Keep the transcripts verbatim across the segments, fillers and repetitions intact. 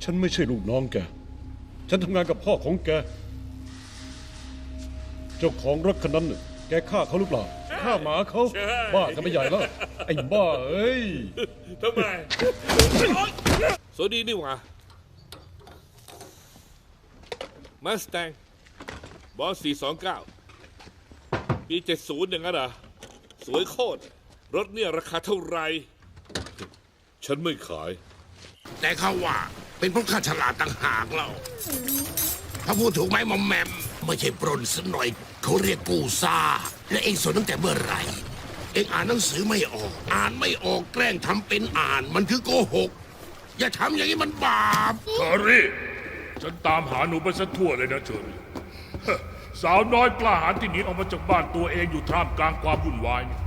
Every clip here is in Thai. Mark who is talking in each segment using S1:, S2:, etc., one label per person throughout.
S1: ฉันไม่ใช่ลูกน้องแกฉันทำงานกับพ่อของแกเจ้าของรถคันนั้นน่ะแกฆ่าเขาหรือเปล่าฆ่าหมาเขาบ้ากันไม่ใหญ่แล้วไอ้บ้าเอ้ย
S2: ทำไมสวัสดีนี่หว่ามาสแตงบอสสี่สองเก้าปีเจ็ดศูนย์อย่างนั้นเหรอสวยโคตรรถเนี่ยราคาเท่าไหร่ฉันไม่ขาย
S3: แต่เขาว่าเป็นเพราะข้าฉลาดต่างหากเราถ้าพูดถูกไหมมอมแมมไม่ใช่ปล้นสักหน่อยเขาเรียกกูซ่าและเองสนตั้งแต่เมื่อไหร่เองอ่านหนังสือไม่ออกอ่านไม่ออกแกล้งทำเป็นอ่านมันคือโกหกอย่าทำอย่างนี้มันบาป
S4: เชอรี่ฉันตามหาหนูไปซะทั่วเลยนะเชอรี่สาวน้อยกล้าหาญที่หนีออกมาจากบ้านตัวเองอยู่ท่ามกลางความวุ่นวายนี่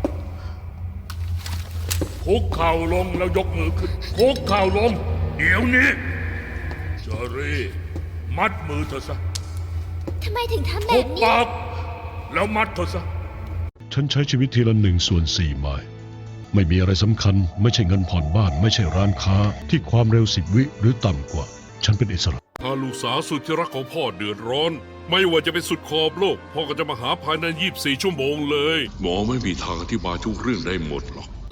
S4: คุกเข่าลงแล้วยกมือขึ้นคุกเข่าลงเดี๋ยวนี้เชอรี่มัดมือเธอซะ
S5: ทำไมถึงทำแบ
S4: คุ
S5: บ
S4: บ
S5: นี้
S4: ปากแล้วมัดเธอซะ
S1: ฉันใช้ชีวิตทีละหนึ่งส่วนสี่ไมล์ไม่มีอะไรสำคัญไม่ใช่เงินผ่อนบ้านไม่ใช่ร้านค้าที่ความเร็วสิบวิหรือต่ำกว่าฉันเป็นอิสระ
S6: ถ้าลูกสาวสุดที่รักของพ่อเดือดร้อนไม่ว่าจะเป็นสุดขอบโลกพ่อก็จะมาหาภายในยี่สิบสี่ชั่วโมงเลยหมอไม่มีทางอธิบายทุกเรื่องได้หมดหรอก